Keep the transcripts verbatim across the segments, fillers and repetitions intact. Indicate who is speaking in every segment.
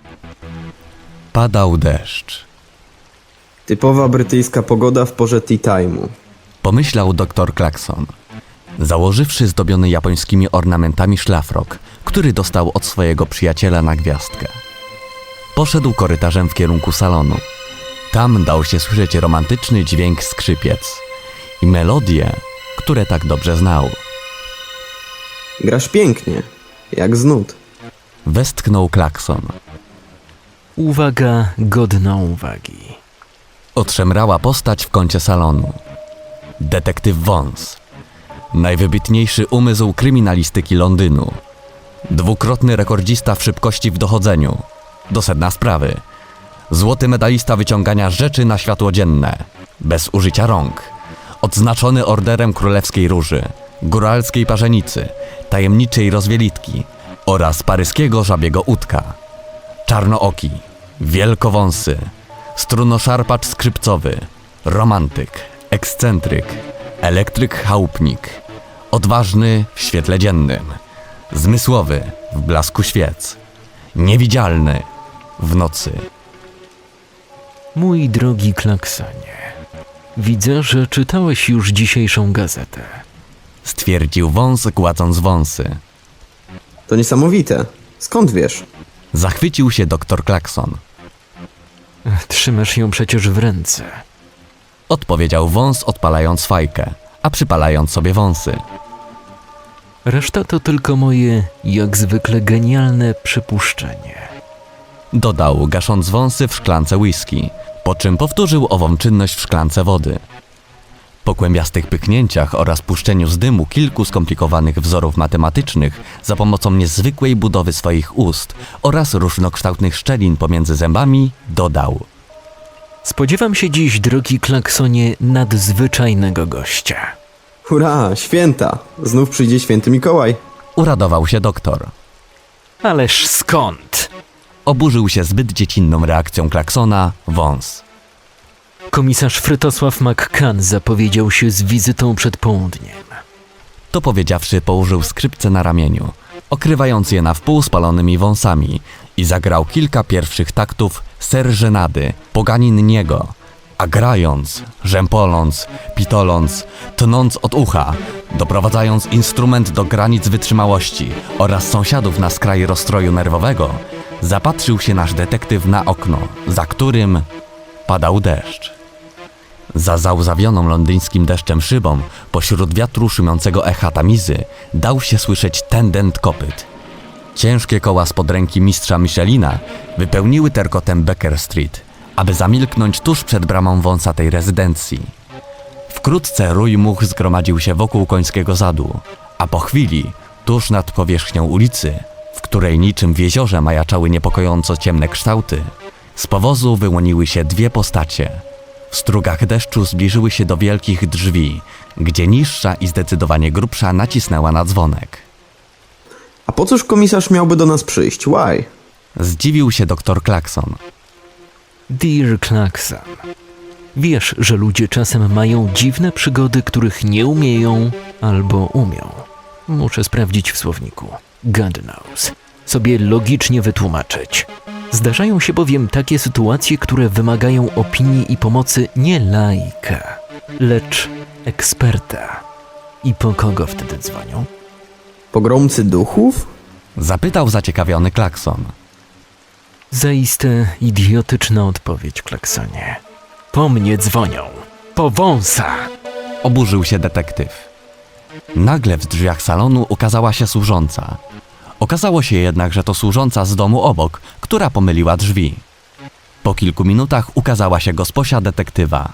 Speaker 1: Padał deszcz.
Speaker 2: Typowa brytyjska pogoda w porze tea time'u.
Speaker 1: Pomyślał doktor Clarkson, założywszy zdobiony japońskimi ornamentami szlafrok, który dostał od swojego przyjaciela na gwiazdkę. Poszedł korytarzem w kierunku salonu. Tam dał się słyszeć romantyczny dźwięk skrzypiec i melodie, które tak dobrze znał.
Speaker 2: Grasz pięknie, jak z nut.
Speaker 1: Westchnął Clarkson.
Speaker 3: Uwaga godna uwagi.
Speaker 1: Otrzemrała postać w kącie salonu. Detektyw Vance, najwybitniejszy umysł kryminalistyki Londynu, dwukrotny rekordzista w szybkości w dochodzeniu, do sedna sprawy, złoty medalista wyciągania rzeczy na światło dzienne, bez użycia rąk, odznaczony orderem Królewskiej Róży, góralskiej parzenicy, tajemniczej rozwielitki oraz paryskiego żabiego udka, czarnooki, wielkowąsy, strunoszarpacz skrzypcowy, romantyk, ekscentryk, elektryk chałupnik, odważny w świetle dziennym, zmysłowy w blasku świec, niewidzialny w nocy.
Speaker 3: Mój drogi Clarksonie, widzę, że czytałeś już dzisiejszą gazetę.
Speaker 1: Stwierdził wąs, gładząc wąsy.
Speaker 2: To niesamowite. Skąd wiesz?
Speaker 1: Zachwycił się doktor Clarkson.
Speaker 3: Trzymasz ją przecież w ręce.
Speaker 1: Odpowiedział wąs, odpalając fajkę, a przypalając sobie wąsy.
Speaker 3: Reszta to tylko moje, jak zwykle, genialne przypuszczenie.
Speaker 1: Dodał, gasząc wąsy w szklance whisky, po czym powtórzył ową czynność w szklance wody. Po kłębiastych pyknięciach oraz puszczeniu z dymu kilku skomplikowanych wzorów matematycznych za pomocą niezwykłej budowy swoich ust oraz różnokształtnych szczelin pomiędzy zębami, dodał:
Speaker 3: Spodziewam się dziś, drogi Clarksonie, nadzwyczajnego gościa.
Speaker 2: Hurra, święta! Znów przyjdzie święty Mikołaj.
Speaker 1: Uradował się doktor.
Speaker 3: Ależ skąd?
Speaker 1: Oburzył się zbyt dziecinną reakcją Clarksona wąs.
Speaker 3: Komisarz Frytosław McCann zapowiedział się z wizytą przed południem.
Speaker 1: To powiedziawszy, położył skrzypce na ramieniu, okrywając je na wpół spalonymi wąsami i zagrał kilka pierwszych taktów serżenady, poganin niego, a grając, rzępoląc, pitoląc, tnąc od ucha, doprowadzając instrument do granic wytrzymałości oraz sąsiadów na skraj rozstroju nerwowego, zapatrzył się nasz detektyw na okno, za którym padał deszcz. Za załzawioną londyńskim deszczem szybą, pośród wiatru szumiącego echa tamizy, dał się słyszeć tędent kopyt. Ciężkie koła spod ręki mistrza Michelina wypełniły terkotem Baker Street, aby zamilknąć tuż przed bramą wąsatej rezydencji. Wkrótce rój much zgromadził się wokół końskiego zadu, a po chwili, tuż nad powierzchnią ulicy, w której niczym w jeziorze majaczały niepokojąco ciemne kształty, z powozu wyłoniły się dwie postacie. W strugach deszczu zbliżyły się do wielkich drzwi, gdzie niższa i zdecydowanie grubsza nacisnęła na dzwonek.
Speaker 2: A po cóż komisarz miałby do nas przyjść? Why?
Speaker 1: Zdziwił się doktor Clarkson.
Speaker 3: Dear Clarkson, wiesz, że ludzie czasem mają dziwne przygody, których nie umieją albo umią. Muszę sprawdzić w słowniku. God knows. Sobie logicznie wytłumaczyć. Zdarzają się bowiem takie sytuacje, które wymagają opinii i pomocy nie laika, lecz eksperta. I po kogo wtedy dzwonią?
Speaker 2: Pogromcy duchów?
Speaker 1: Zapytał zaciekawiony Clarkson.
Speaker 3: Zaiste idiotyczna odpowiedź, Clarksonie. Po mnie dzwonią. Po wąsa!
Speaker 1: Oburzył się detektyw. Nagle w drzwiach salonu ukazała się służąca. Okazało się jednak, że to służąca z domu obok, która pomyliła drzwi. Po kilku minutach ukazała się gosposia detektywa.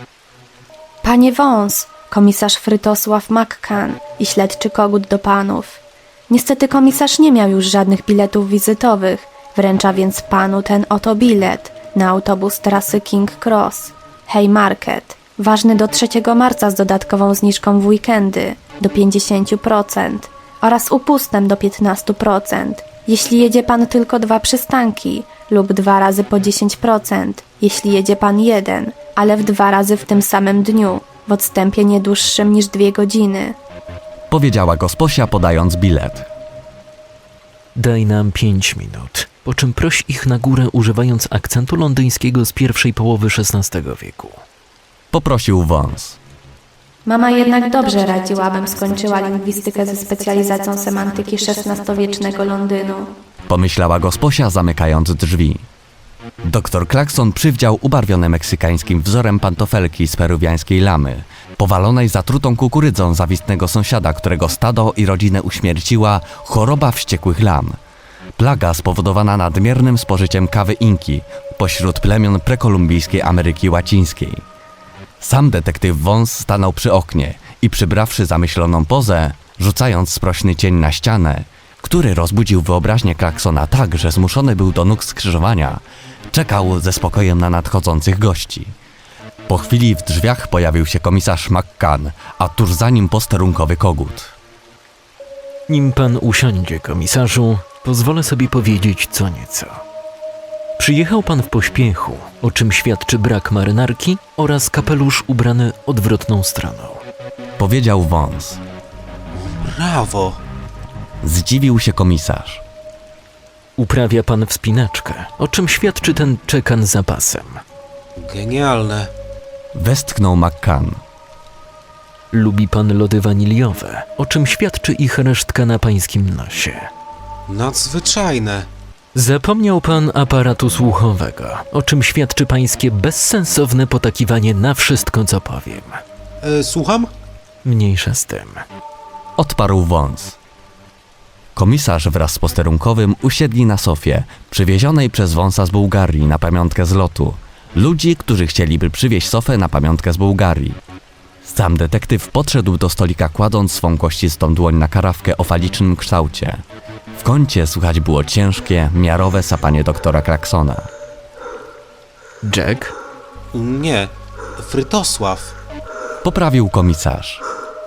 Speaker 4: Panie Wąs, komisarz Frytosław McCann i śledczy kogut do panów. Niestety komisarz nie miał już żadnych biletów wizytowych, wręcza więc panu ten oto bilet na autobus trasy King Cross, Haymarket, ważny do trzeciego marca z dodatkową zniżką w weekendy do pięćdziesiąt procent oraz upustem do piętnaście procent, jeśli jedzie pan tylko dwa przystanki lub dwa razy po dziesięć procent, jeśli jedzie pan jeden, ale w dwa razy w tym samym dniu, w odstępie nie dłuższym niż dwie godziny.
Speaker 1: Powiedziała gosposia, podając bilet.
Speaker 3: Daj nam pięć minut. po czym prosi ich na górę używając akcentu londyńskiego z pierwszej połowy szesnastego wieku.
Speaker 1: Poprosił wąs.
Speaker 4: Mama jednak dobrze radziła, abym skończyła lingwistykę ze specjalizacją semantyki szesnastowiecznego Londynu.
Speaker 1: Pomyślała gosposia, zamykając drzwi. Doktor Klakson przywdział ubarwione meksykańskim wzorem pantofelki z peruwiańskiej lamy, powalonej zatrutą kukurydzą zawistnego sąsiada, którego stado i rodzinę uśmierciła choroba wściekłych lam. Plaga spowodowana nadmiernym spożyciem kawy Inki pośród plemion prekolumbijskiej Ameryki Łacińskiej. Sam detektyw Wąs stanął przy oknie i przybrawszy zamyśloną pozę, rzucając sprośny cień na ścianę, który rozbudził wyobraźnię Klaksona tak, że zmuszony był do nóg skrzyżowania, czekał ze spokojem na nadchodzących gości. Po chwili w drzwiach pojawił się komisarz McCann, a tuż za nim posterunkowy kogut.
Speaker 3: Nim pan usiądzie, komisarzu, pozwolę sobie powiedzieć co nieco. Przyjechał pan w pośpiechu, o czym świadczy brak marynarki oraz kapelusz ubrany odwrotną stroną.
Speaker 1: Powiedział Wąs.
Speaker 5: Brawo!
Speaker 1: Zdziwił się komisarz.
Speaker 3: Uprawia pan wspinaczkę, o czym świadczy ten czekan za pasem.
Speaker 5: Genialne.
Speaker 1: Westchnął McCann.
Speaker 3: Lubi pan lody waniliowe, o czym świadczy ich resztka na pańskim nosie.
Speaker 5: Nadzwyczajne.
Speaker 3: Zapomniał pan aparatu słuchowego, o czym świadczy pańskie bezsensowne potakiwanie na wszystko, co powiem.
Speaker 5: E, słucham?
Speaker 3: Mniejsza z tym.
Speaker 1: Odparł Wąs. Komisarz wraz z posterunkowym usiedli na sofie, przywiezionej przez Wąsa z Bułgarii na pamiątkę z lotu. Ludzi, którzy chcieliby przywieźć sofę na pamiątkę z Bułgarii. Sam detektyw podszedł do stolika, kładąc swą kościstą dłoń na karawkę o falicznym kształcie. W kącie słychać było ciężkie, miarowe sapanie doktora Klaksona.
Speaker 3: Jack?
Speaker 5: Nie. Frytosław.
Speaker 1: Poprawił komisarz.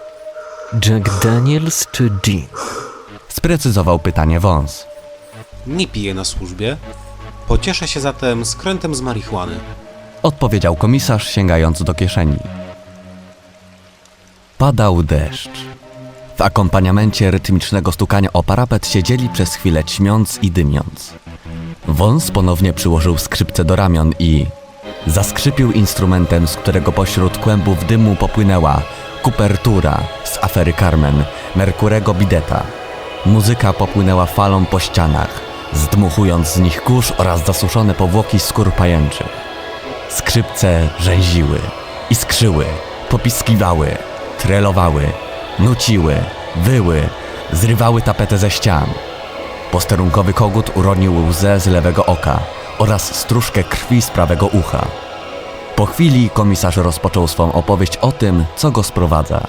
Speaker 3: Jack Daniels czy Jean?
Speaker 1: Sprecyzował pytanie Wąs.
Speaker 5: Nie piję na służbie. Pocieszę się zatem skrętem z marihuany.
Speaker 1: Odpowiedział komisarz, sięgając do kieszeni. Padał deszcz. W akompaniamencie rytmicznego stukania o parapet siedzieli przez chwilę ćmiąc i dymiąc. Wąs ponownie przyłożył skrzypce do ramion i zaskrzypił instrumentem, z którego pośród kłębów dymu popłynęła kupertura z afery Carmen Merkurego Bideta. Muzyka popłynęła falą po ścianach, zdmuchując z nich kurz oraz zasuszone powłoki skór pajęczych. Skrzypce rzęziły, iskrzyły, popiskiwały, trelowały, nuciły, wyły, zrywały tapetę ze ścian. Posterunkowy kogut uronił łzę z lewego oka oraz stróżkę krwi z prawego ucha. Po chwili komisarz rozpoczął swą opowieść o tym, co go sprowadza.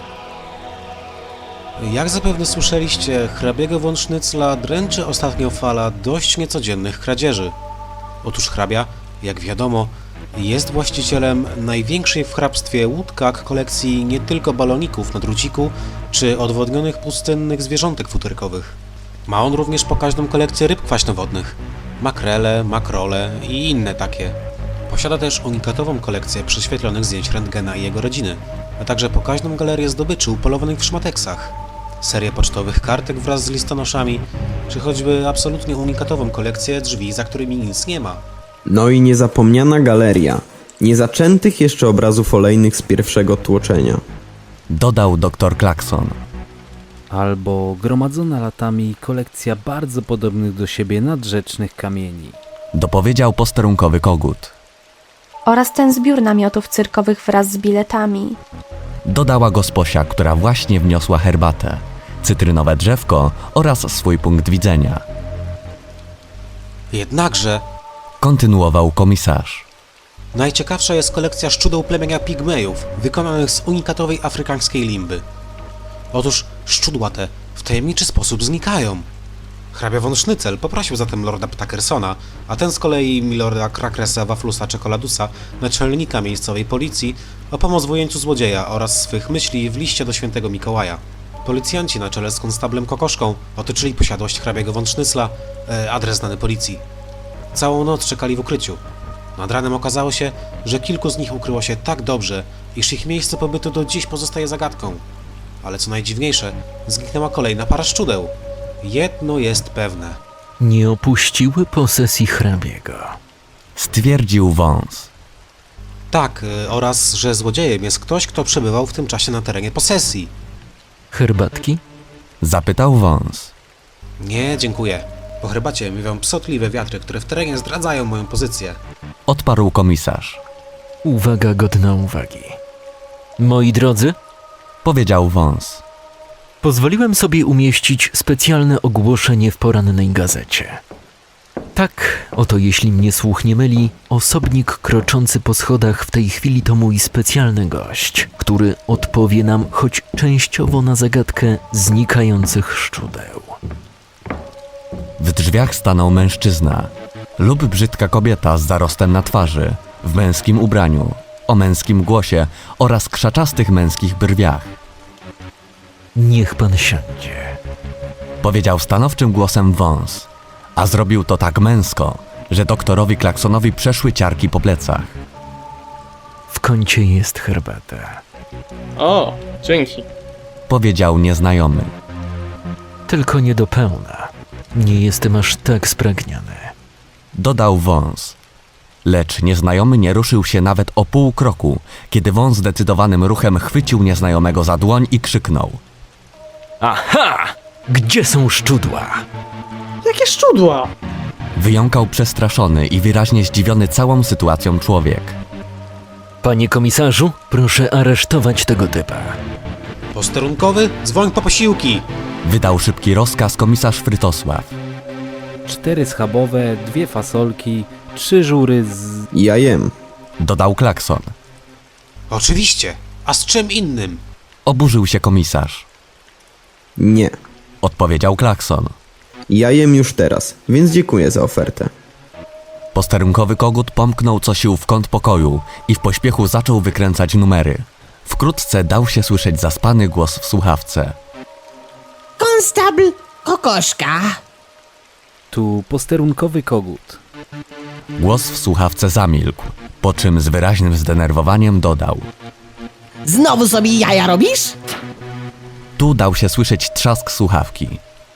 Speaker 5: Jak zapewne słyszeliście, hrabiego von Sznycla dręczy ostatnio fala dość niecodziennych kradzieży. Otóż hrabia, jak wiadomo, jest właścicielem największej w hrabstwie łódkach kolekcji nie tylko baloników na druciku czy odwodnionych pustynnych zwierzątek futerkowych. Ma on również pokaźną kolekcję ryb kwaśnowodnych, makrele, makrole i inne takie. Posiada też unikatową kolekcję prześwietlonych zdjęć rentgena i jego rodziny, a także pokaźną galerię zdobyczy upolowanych w szmateksach, serię pocztowych kartek wraz z listonoszami, czy choćby absolutnie unikatową kolekcję drzwi, za którymi nic nie ma.
Speaker 2: No i niezapomniana galeria niezaczętych jeszcze obrazów olejnych z pierwszego tłoczenia.
Speaker 1: Dodał doktor Klakson.
Speaker 6: Albo gromadzona latami kolekcja bardzo podobnych do siebie nadrzecznych kamieni.
Speaker 1: Dopowiedział posterunkowy kogut.
Speaker 4: Oraz ten zbiór namiotów cyrkowych wraz z biletami.
Speaker 1: Dodała gosposia, która właśnie wniosła herbatę, cytrynowe drzewko oraz swój punkt widzenia.
Speaker 5: Jednakże
Speaker 1: Kontynuował komisarz.
Speaker 5: najciekawsza jest kolekcja szczudeł plemienia pigmejów, wykonanych z unikatowej afrykańskiej limby. Otóż szczudła te w tajemniczy sposób znikają. Hrabia von Sznycel poprosił zatem lorda Ptackersona, a ten z kolei milorda Krakresa Waflusa Czekoladusa, naczelnika miejscowej policji, o pomoc w ujęciu złodzieja oraz swych myśli w liście do świętego Mikołaja. Policjanci na czele z konstablem Kokoszką otoczyli posiadłość hrabiego von Sznycla, e, adres znany policji. Całą noc czekali w ukryciu. Nad ranem okazało się, że kilku z nich ukryło się tak dobrze, iż ich miejsce pobytu do dziś pozostaje zagadką. Ale co najdziwniejsze, zniknęła kolejna para szczudeł. Jedno jest pewne.
Speaker 3: nie opuściły posesji hrabiego.
Speaker 1: Stwierdził wąs.
Speaker 5: Tak, y, oraz że złodziejem jest ktoś, kto przebywał w tym czasie na terenie posesji.
Speaker 3: Herbatki?
Speaker 1: Zapytał wąs.
Speaker 5: Nie, dziękuję. Po herbacie miewają psotliwe wiatry, które w terenie zdradzają moją pozycję.
Speaker 1: Odparł komisarz.
Speaker 3: Uwaga godna uwagi. Moi drodzy,
Speaker 1: Powiedział wąs.
Speaker 3: pozwoliłem sobie umieścić specjalne ogłoszenie w porannej gazecie. Tak, oto jeśli mnie słuch nie myli, osobnik kroczący po schodach w tej chwili to mój specjalny gość, który odpowie nam choć częściowo na zagadkę znikających szczudeł.
Speaker 1: W drzwiach stanął mężczyzna lub brzydka kobieta z zarostem na twarzy, w męskim ubraniu, o męskim głosie oraz krzaczastych męskich brwiach.
Speaker 3: Niech pan siądzie.
Speaker 1: Powiedział stanowczym głosem wąs, a zrobił to tak męsko, że doktorowi Klaksonowi przeszły ciarki po plecach.
Speaker 3: W kącie jest herbata.
Speaker 7: O, dzięki.
Speaker 1: Powiedział nieznajomy.
Speaker 3: Tylko nie do pełna. Nie jestem aż tak spragniony.
Speaker 1: Dodał wąs. Lecz nieznajomy nie ruszył się nawet o pół kroku, kiedy wąs zdecydowanym ruchem chwycił nieznajomego za dłoń i krzyknął.
Speaker 3: Aha! Gdzie są szczudła?
Speaker 7: Jakie szczudła?
Speaker 1: Wyjąkał przestraszony i wyraźnie zdziwiony całą sytuacją człowiek.
Speaker 3: Panie komisarzu, proszę aresztować tego typa.
Speaker 5: Posterunkowy, dzwoń po posiłki!
Speaker 1: Wydał szybki rozkaz komisarz Frytosław.
Speaker 6: Cztery schabowe, dwie fasolki, trzy żury z...
Speaker 2: Ja jem.
Speaker 1: Dodał Klakson.
Speaker 5: Oczywiście, a z czym innym?
Speaker 1: Oburzył się komisarz.
Speaker 2: Nie.
Speaker 1: Odpowiedział Klakson.
Speaker 2: Ja jem już teraz, więc dziękuję za ofertę.
Speaker 1: Posterunkowy kogut pomknął co sił w kąt pokoju i w pośpiechu zaczął wykręcać numery. Wkrótce dał się słyszeć zaspany głos w słuchawce.
Speaker 8: Konstabl Kokoszka.
Speaker 6: Tu posterunkowy kogut.
Speaker 1: Głos w słuchawce zamilkł, po czym z wyraźnym zdenerwowaniem dodał.
Speaker 8: Znowu sobie jaja robisz?
Speaker 1: Tu dał się słyszeć trzask słuchawki.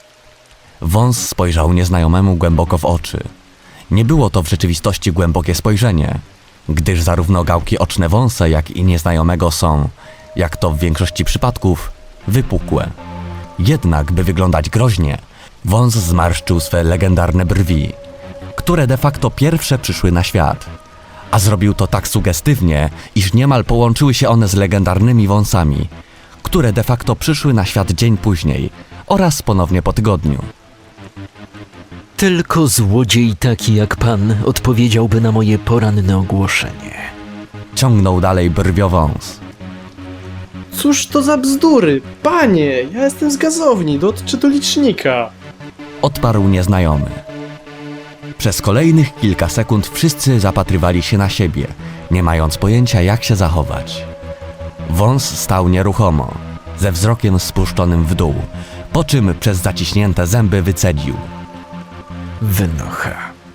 Speaker 1: Wąs spojrzał nieznajomemu głęboko w oczy. Nie było to w rzeczywistości głębokie spojrzenie, gdyż zarówno gałki oczne wąsa, jak i nieznajomego są, jak to w większości przypadków, wypukłe. Jednak, by wyglądać groźnie, wąs zmarszczył swe legendarne brwi, które de facto pierwsze przyszły na świat. A zrobił to tak sugestywnie, iż niemal połączyły się one z legendarnymi wąsami, które de facto przyszły na świat dzień później oraz ponownie po tygodniu.
Speaker 3: Tylko złodziej taki jak pan odpowiedziałby na moje poranne ogłoszenie.
Speaker 1: Ciągnął dalej brwiowąs.
Speaker 7: Cóż to za bzdury? Panie, ja jestem z gazowni, do odczytu licznika.
Speaker 1: Odparł nieznajomy. Przez kolejnych kilka sekund wszyscy zapatrywali się na siebie, nie mając pojęcia jak się zachować. Wąs stał nieruchomo, ze wzrokiem spuszczonym w dół, po czym przez zaciśnięte zęby wycedził.
Speaker 3: Wynocha.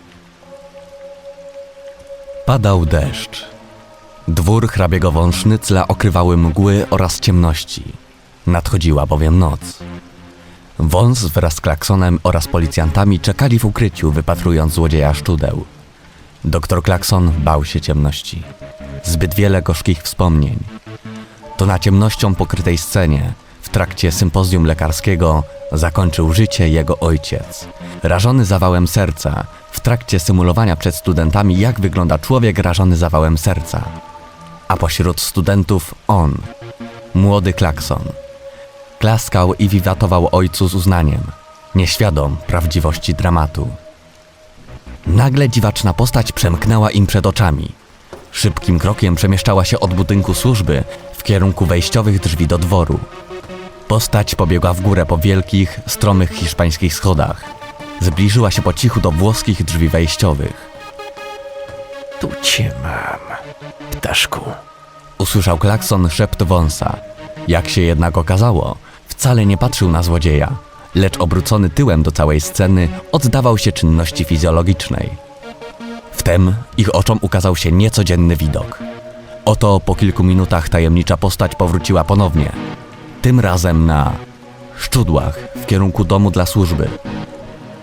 Speaker 1: Padał deszcz. Dwór hrabiego von Sznycla okrywały mgły oraz ciemności. Nadchodziła bowiem noc. Wąs wraz z Klaksonem oraz policjantami czekali w ukryciu, wypatrując złodzieja szczudeł. Doktor Klakson bał się ciemności. Zbyt wiele gorzkich wspomnień. To na ciemnością pokrytej scenie, w trakcie sympozjum lekarskiego, zakończył życie jego ojciec. Rażony zawałem serca, w trakcie symulowania przed studentami, jak wygląda człowiek rażony zawałem serca. A pośród studentów on, młody Klakson. Klaskał i wiwatował ojcu z uznaniem, nieświadom prawdziwości dramatu. Nagle dziwaczna postać przemknęła im przed oczami. Szybkim krokiem przemieszczała się od budynku służby w kierunku wejściowych drzwi do dworu. Postać pobiegła w górę po wielkich, stromych hiszpańskich schodach. Zbliżyła się po cichu do włoskich drzwi wejściowych.
Speaker 3: Tu cię mam, ptaszku.
Speaker 1: Usłyszał Klakson szept wąsa. Jak się jednak okazało, wcale nie patrzył na złodzieja, lecz obrócony tyłem do całej sceny oddawał się czynności fizjologicznej. Wtem ich oczom ukazał się niecodzienny widok. Oto po kilku minutach tajemnicza postać powróciła ponownie. Tym razem na szczudłach w kierunku domu dla służby.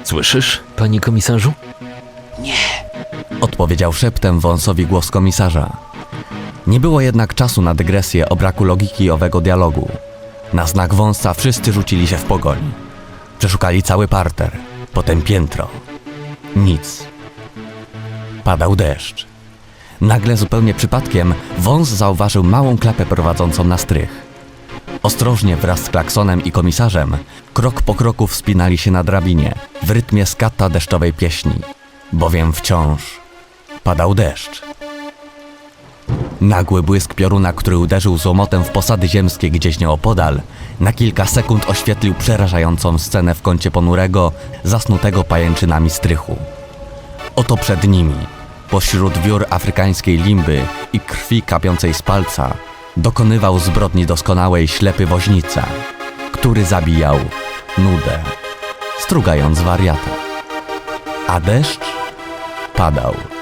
Speaker 3: Słyszysz, panie komisarzu?
Speaker 1: Odpowiedział szeptem wąsowi głos komisarza. Nie było jednak czasu na dygresję o braku logiki owego dialogu. Na znak wąsa wszyscy rzucili się w pogoń. Przeszukali cały parter, potem piętro. Nic. Padał deszcz. Nagle zupełnie przypadkiem wąs zauważył małą klapę prowadzącą na strych. Ostrożnie wraz z klaksonem i komisarzem krok po kroku wspinali się na drabinie w rytmie skata deszczowej pieśni, bowiem wciąż padał deszcz. Nagły błysk pioruna, który uderzył z łomotem w posady ziemskie gdzieś nieopodal, na kilka sekund oświetlił przerażającą scenę w kącie ponurego, zasnutego pajęczynami strychu. Oto przed nimi, pośród wiór afrykańskiej limby i krwi kapiącej z palca, dokonywał zbrodni doskonałej ślepy woźnica, który zabijał nudę, strugając wariata. A deszcz padał.